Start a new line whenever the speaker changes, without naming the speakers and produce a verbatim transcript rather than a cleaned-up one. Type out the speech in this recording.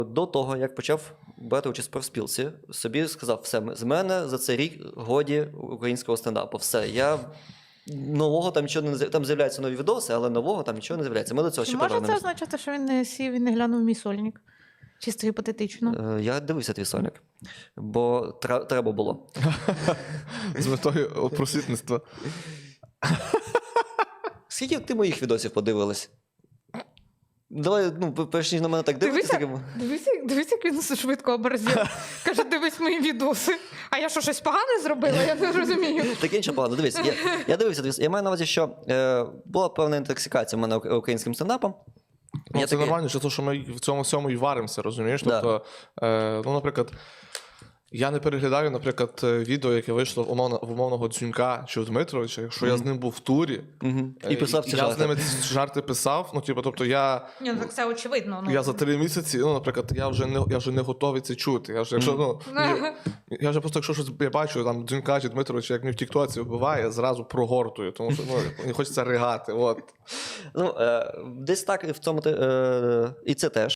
До того, як почав брати участь в профспілці, собі сказав, все, з мене за цей рік годі українського стендапу. Все, я нового там нічого не з'являється. Там з'являються нові відоси, але нового там нічого не з'являється. Ми до цього
Чи
ще
може це
повернемось.
означати, що він не сів і не глянув мій сольник? Чисто гіпотетично.
Е, Я дивився твій сольник, бо тра- треба було.
З метою просвітництва.
Скільки ти моїх відосів подивилась? Давай, ну, перш ніж на мене так дивитися.
Дивися, дивися, дивися, як він швидко оборзів. Каже, дивись мої відоси. А я що, щось погане зробила? Я не розумію.
Так інше погано. Дивись, я, я дивився, дивись. Я маю на увазі, що е, була певна інтоксикація в мене ук- українським стендапом.
Ну,
Я
це
такий-
нормально, через те, що ми в цьому всьому і варимося, розумієш?
Да.
Тобто, е, ну, наприклад, я не переглядаю, наприклад, відео, яке вийшло в, умовно, в умовного Дзюнька чи у Дмитровича, якщо я з ним був в турі,
Мгм.
е,
І писав ці
я
жарти.
з ними ці жарти писав, ну, типу, тобто я...
Ні, ну так це очевидно. Ну.
Я за три місяці, ну, наприклад, я вже не, я вже не готовий це чути. Я вже, якщо, ну, я, я вже просто, якщо щось я бачу, там, Дзюнька чи Дмитровича, як мені в тіктоці вбиває, я зразу прогортую, тому що, ну, мені хочеться ригати, от.
Ну, е, десь так і в цьому те- е, і це теж.